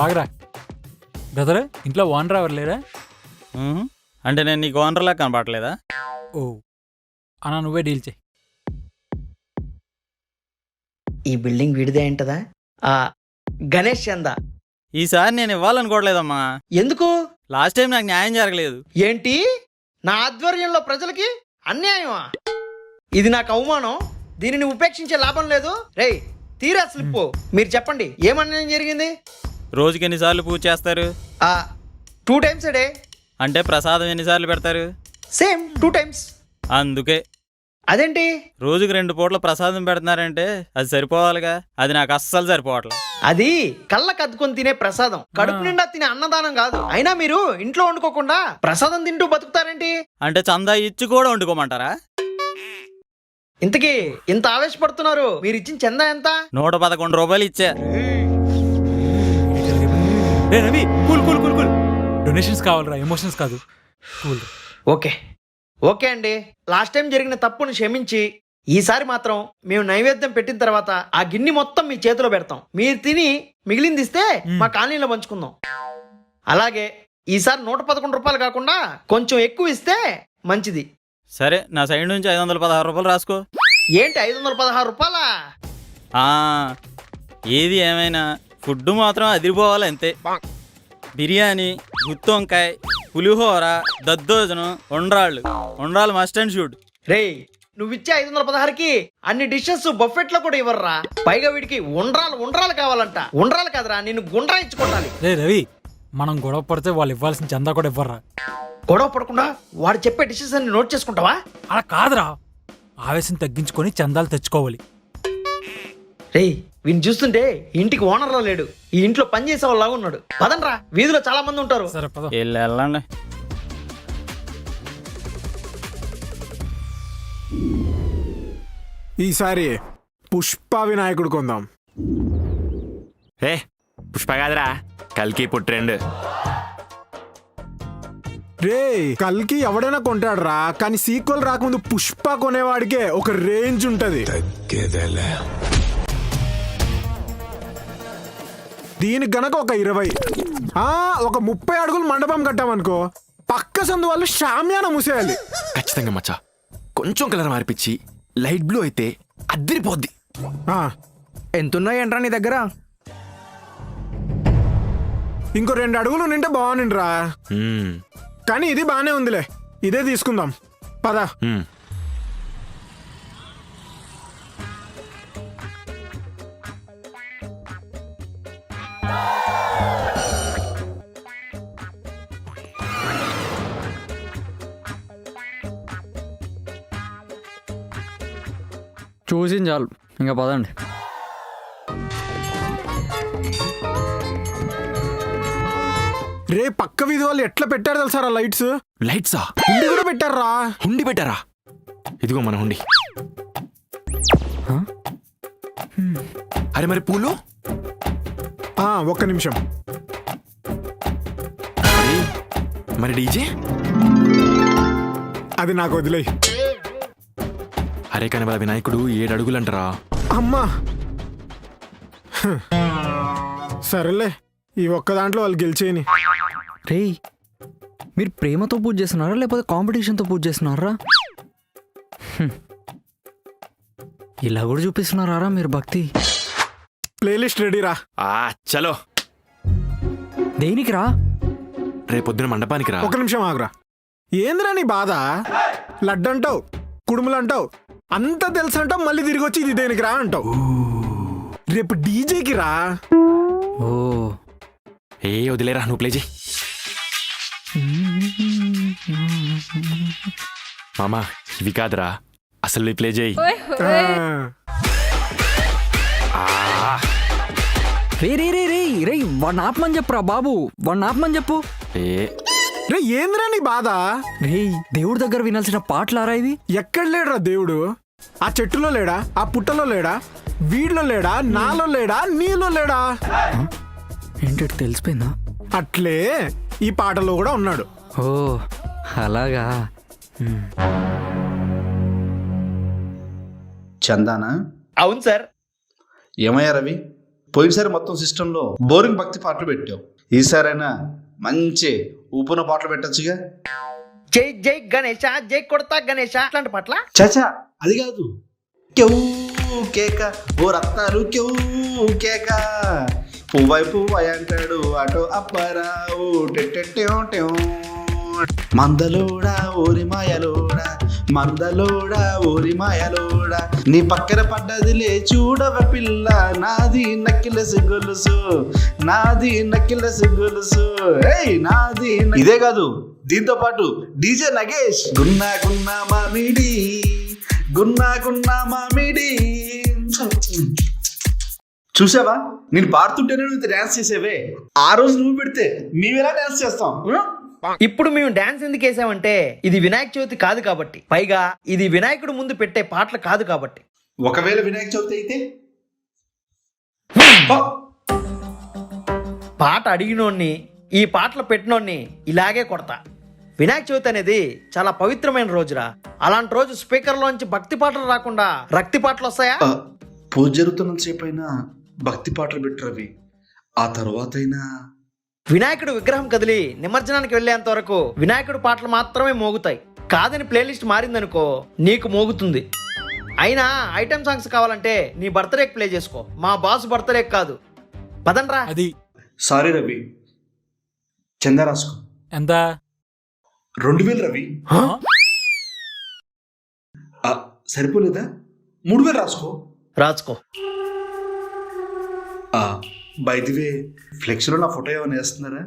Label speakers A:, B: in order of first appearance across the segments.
A: బాగరా brother, ఇంట్లో owner ఎవరు లేరా?
B: అంటే నేను నీకు ఓనర్లా కనపడలేదా?
A: ఓ అన్నా, నువ్వే డీల్ చేయి.
C: ఈ బిల్డింగ్ విడిదే ఏంటదా? గణేష్ చందా.
B: ఈసారి నేను ఇవ్వాలనుకోవట్లేదమ్మా.
C: ఎందుకు?
B: లాస్ట్ టైం నాకు న్యాయం జరగలేదు.
C: ఏంటి? నా ఆధ్వర్యంలో ప్రజలకి అన్యాయమా? ఇది నాకు అవమానం. దీనిని ఉపేక్షించే లాభం లేదు. రేయ్ తీరా స్లిప్. మీరు చెప్పండి, ఏమన్యాయం జరిగింది?
B: రోజుకి ఎన్నిసార్లు పూజ చేస్తారు?
C: 2 times a day.
B: అంటే ప్రసాదం ఎన్నిసార్లు పెడతారు?
C: Same 2 times.
B: అందుకే
C: అదేంటి?
B: రోజుకి 2 పూట్ల ప్రసాదం పెడుతున్నారంటే అది సరిపోవాలిగా. అది నాకు అస్సలు సరిపోవట్లేదు.
C: అది కళ్ళకు అద్దుకొని తినే ప్రసాదం, కడుపు నిండా తినే అన్నదానం కాదు. అయినా మీరు ఇంట్లో వండుకోకుండా ప్రసాదం తింటూ బతుకుతారేంటి?
B: అంటే చందా ఇచ్చి కూడా వండుకోమంటారా?
C: ఇంతకీ ఇంత ఆవేశపడుతున్నారు, మీరు ఇచ్చిన చందా ఎంత?
B: 111 రూపాయలు ఇచ్చా.
A: రే Ravi, cool cool cool cool. Donations కావాలరా, ఎమోషన్స్ కాదు. కూల్.
C: ఓకే ఓకే అండి, లాస్ట్ టైం జరిగిన తప్పును క్షమించి ఈసారి మాత్రం మేము నైవేద్యం పెట్టిన తర్వాత ఆ గిన్నె మొత్తం మీ చేతిలో పెడతాం. మీరు తిని మిగిలింది ఇస్తే మా కాలనీలో పంచుకుందాం. అలాగే ఈసారి 111 రూపాయలు కాకుండా కొంచెం ఎక్కువ ఇస్తే మంచిది.
B: సరే, నా సైడ్ నుంచి 516 రూపాయలు రాసుకో.
C: ఏంటి 516 రూపాయలా?
B: ఏది ఏమైనా ఫుడ్ మాత్రం అదిరిపోవాలి అంతే. బిర్యానీ, గుత్తి వంకాయ, పులిహోర, దద్దోజనం, ఉండ్రాళ్ళు మస్ట్ అండ్ షుడ్.
C: రేయ్ నువ్విచ్చే 516కి అన్ని డిషెస్ బఫెట్ లో కూడా ఇవ్వర్రా. పైగా వీడికి ఉండ్రాలు కావాలంట. ఉండ్రాలు కాదురా, నిన్ను గుండ్రా ఇచ్చుకోవాలి.
A: రే రవి, మనం గొడవ పడితే వాళ్ళు ఇవ్వాల్సిన చందా కూడా ఇవ్వర్రా.
C: గొడవ పడకుండా వాడు చెప్పే డిషెస్ అన్ని నోట్ చేసుకుంటావా?
A: అలా కాదురా, ఆవేశం తగ్గించుకొని చందాలు తెచ్చుకోవాలి.
C: రేయ్ వీని చూస్తుంటే ఇంటికి ఓనర్లో లేడు, ఈ ఇంట్లో పని చేసే వాళ్ళలాగా ఉన్నాడు. పదండ్రా, వీధిలో చాలా మంది ఉంటారు.
A: సరే పద.
B: వెళ్ళండి.
D: ఈసారి పుష్ప వినాయకుడు కొందాం.
E: పుష్ప కాదురా, కల్కి పుట్టిండు.
D: రే కల్కి ఎవడైనా కొంటాడురా, కానీ సీక్వెల్ రాకముందు పుష్ప కొనేవాడికే ఒక రేంజ్ ఉంటది. దీనికి గనక ఒక 20 ఒక 30 అడుగులు మండపం కట్టామనుకో, పక్క సందు వాళ్ళు షామ్యాన మూసేయాలి.
E: ఖచ్చితంగా మచ్చా, కొంచెం కలర్ మార్పిచ్చి లైట్ బ్లూ అయితే అద్దరిపోద్ది.
F: ఎంతున్నాయంట్రా నీ దగ్గర?
D: ఇంకో 2 అడుగులు నింటే బాగుండిరా, కానీ ఇది బానే ఉందిలే, ఇదే తీసుకుందాం పద.
F: చూసింది చాలు, ఇంకా పదండి.
D: రే పక్క వీధి వాళ్ళు ఎట్లా పెట్టారు తెలుసారా లైట్స్?
E: లైట్సా?
D: హుండి కూడా పెట్టారా?
E: హుండి పెట్టారా? ఇదిగో మన హుండి. అరే మరి పూలు?
D: ఒక్క నిమిషం.
E: మరి డీజే?
D: అది నాకు వదిలేయి.
E: అరే కానీ వాళ్ళ వినాయకుడు 7 అడుగులంటారా?
D: అమ్మా సరేలే, ఈ ఒక్క దాంట్లో వాళ్ళు గెలిచేయని.
F: రేయ్ మీరు ప్రేమతో పూజ చేస్తున్నారా లేకపోతే కాంపిటీషన్తో పూజ చేస్తున్నారా? ఇలా కూడా చూపిస్తున్నారా మీరు భక్తి?
D: ప్లేలిస్ట్ రెడీరా?
E: చలో.
F: దేనికి రా?
E: రేపొద్దున మండపానికి రా.
D: ఒక నిమిషం ఆగురా. ఏందిరా నీ బాధ? లడ్డంటావు, కుడుములంటావు, అంతా తెలుసు అంటావు, మళ్ళీ తిరిగి వచ్చి ఇది దేనికి రా అంటావు. రేపు డీజేకి రా.
F: ఓ
E: వదిలేరా, నువ్వు ప్లే చేయి. మామా ఇవి కాదురా, అసలు ప్లే చేయి.
F: రే రే రే రే రే వాడిని ఆపమని చెప్పురా బాబు, వాడిని ఆపమని చెప్పు.
D: రే ఏందిరా నీ బాధ?
F: రే దేవుడి దగ్గర వినాల్సిన పాటలారా ఇవి?
D: ఎక్కడ లేడురా దేవుడు? ఆ చెట్టులో లేడా? ఆ పుట్టలో లేడా? వీడిలో లేడా? నాలో లేడా? నీలో లేడా?
F: ఏంటి తెలిసిపోయిందా?
D: అట్లే ఈ పాటలో కూడా ఉన్నాడు.
F: ఓ అలాగా.
G: చందానా?
C: అవును సార్.
G: ఏమయ్యా రవి, పోయినసారి మొత్తం సిస్టంలో బోరింగ్ భక్తి పాటలు పెట్టావు. ఈసారైనా మంచి ఊపున పాటలు పెట్టచ్చుగా.
C: జై జై గణేష, జై కొడతా గణేష అట్లాంటి పట్ల
G: చాచా అది కాదు. క్యూ కేక ఓ రత్తాలు క్యూ కేక పువ్వై పువ్వై అంటాడు అటో అప్పారావు టెట్టెట్టెం మందలోడా ఊరి మాయలోడా మందలోడా ఊరి మాయలోడా నీ పక్కన పడ్డదిలే చూడవ పిల్ల నాది నక్కిలసి గొలుసు నాది నక్కిలసి గొలుసు ఏయ్ నాది ఇదే కాదు, దీంతో పాటు డీజే నగేష్ గున్నా గున్నా మామిడి గున్నా గున్నా మామిడి. చూసావా, నేను పాడుతుంటేనే నువ్వు డాన్స్ చేసేవే. ఆ రోజు నువ్వు పెడితే మేమెలా డాన్స్ చేస్తాం?
C: ఇప్పుడు మేము డాన్స్ ఎందుకు వేసామంటే ఇది వినాయక చవితి కాదు కాబట్టి, పైగా ఇది వినాయకుడు ముందు పెట్టే పాటలు కాదు కాబట్టి.
G: ఒకవేళ వినాయక చవితి అయితే
C: పాట అడిగినోడిని ఈ పాటలు పెట్టినోడిని ఇలాగే కొడతా. వినాయక చవితి అనేది చాలా పవిత్రమైన రోజురా. అలాంటి రోజు స్పీకర్లోంచి భక్తి పాటలు రాకుండా రక్తి పాటలు వస్తాయా?
G: పూజ జరుగుతున్నంత సేపు అయినా భక్తి పాటలు పెట్టరవి. ఆ తర్వాత అయినా
C: వినాయకుడు విగ్రహం కదిలి నిమజ్జనానికి వెళ్లేంత వరకు వినాయకుడు పాటలు మాత్రమే మోగుతాయి. కాదని ప్లేలిస్ట్ మారిందనుకో నీకు మోగుతుంది. అయినా ఐటమ్ సాంగ్స్ కావాలంటే నీ బర్త్డేకి ప్లే చేసుకో, మా బాస్ బర్త్డేకి కాదు. పదండ్రా.
A: అది
G: సారీ రవి, చందా రాసుకో.
A: ఎంత?
G: 2000 రవి. సరిపోలేదా? 3000 రాసుకో.
C: రాసుకో.
G: బై ది వే, ఫ్లెక్స్లో నా ఫోటో ఏమైనా వేస్తున్నారా?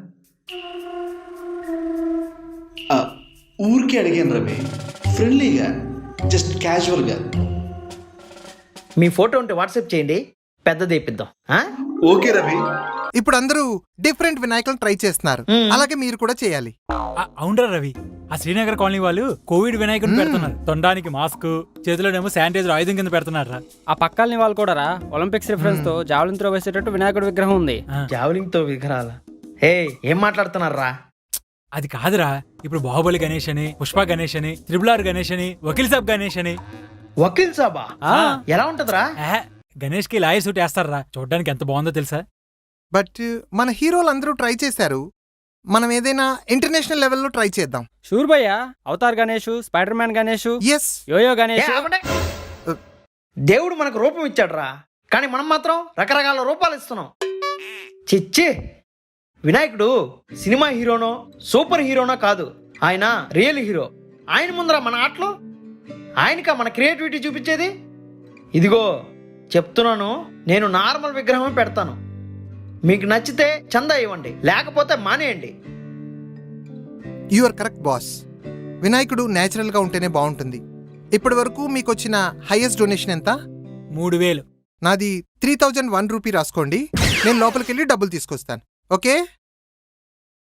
G: ఊరికే అడిగాను రవి, ఫ్రెండ్లీగా, జస్ట్ క్యాజువల్గా.
C: మీ ఫోటో ఉంటే వాట్సాప్ చేయండి, పెద్దది ఇప్పిద్దాం.
G: ఓకే రవి.
H: ఇప్పుడు అందరూ డిఫరెంట్ వినాయకులను ట్రై చేస్తున్నారు, అలాగే మీరు కూడా చేయాలి.
A: అవునరా రవి, ఆ శ్రీనగర్ కాలనీ వాళ్ళు కోవిడ్ వినాయకుడిని పెడుతున్నారు. తొండానికి మాస్క్, చేతిలోనేమో శానిటైజర్ ఆయుధం కింద పెడుతున్నారా.
I: ఆ పక్కల్ని వాళ్ళు కూడా రా ఒలింపిక్స్ రిఫరెన్స్ తో జావలిన్ త్రో వేసేటట్టు వినాయకుడి విగ్రహం ఉంది.
C: జావలింగ్ తో విగ్రహాల? హే, ఏం మాట్లాడుతున్నారా?
A: అది కాదురా, ఇప్పుడు బాహుబలి గణేష్ అని, పుష్ప గణేష్ అని, త్రిబుల్ ఆర్ గణేష్ అని, వకీల్ సాబ్ గణేష్ అని.
C: వకీల్ సాబా? ఎలా ఉంటదిరా?
A: గణేష్ కి లాయర్ సూట్ వేస్తారా, చూడడానికి ఎంత బాగుందో తెలుసా.
H: బట్ మన హీరోలు అందరూ ట్రై చేశారు, మనం ఏదైనా ఇంటర్నేషనల్ లెవెల్లో ట్రై చేద్దాం.
I: షూర్ భయ్యా, Avatar Ganesh, spider man Ganesh,
H: yes,
I: yo yo Ganesh.
C: దేవుడు మనకు రూపం ఇచ్చాడురా, కానీ మనం మాత్రం రకరకాల రూపాలు ఇస్తున్నాం. చిచ్చి, వినాయకుడు సినిమా హీరోనో సూపర్ హీరోనో కాదు, ఆయన రియల్ హీరో. ఆయన ముందర మన ఆటలు, ఆయనకా మన క్రియేటివిటీ చూపించేది. ఇదిగో చెప్తున్నాను, నేను నార్మల్ విగ్రహమే పెడతాను. మీకు నచ్చితే చందా ఇవ్వండి, లేకపోతే మానేయండి.
H: You are correct boss. వినాయకుడు నేచురల్ గా ఉంటేనే బాగుంటుంది. ఇప్పటి వరకు మీకు వచ్చిన హైయెస్ట్ డొనేషన్ ఎంత?
A: 3000.
H: నాది 3001 రూపీ రాసుకోండి, నేను లోపలికి వెళ్ళి డబ్బులు తీసుకొస్తాను. ఓకే?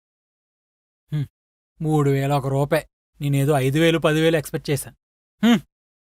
A: 3000 1 రూపాయి. నేనేదో 5000 10,000 ఎక్స్పెక్ట్ చేశాను.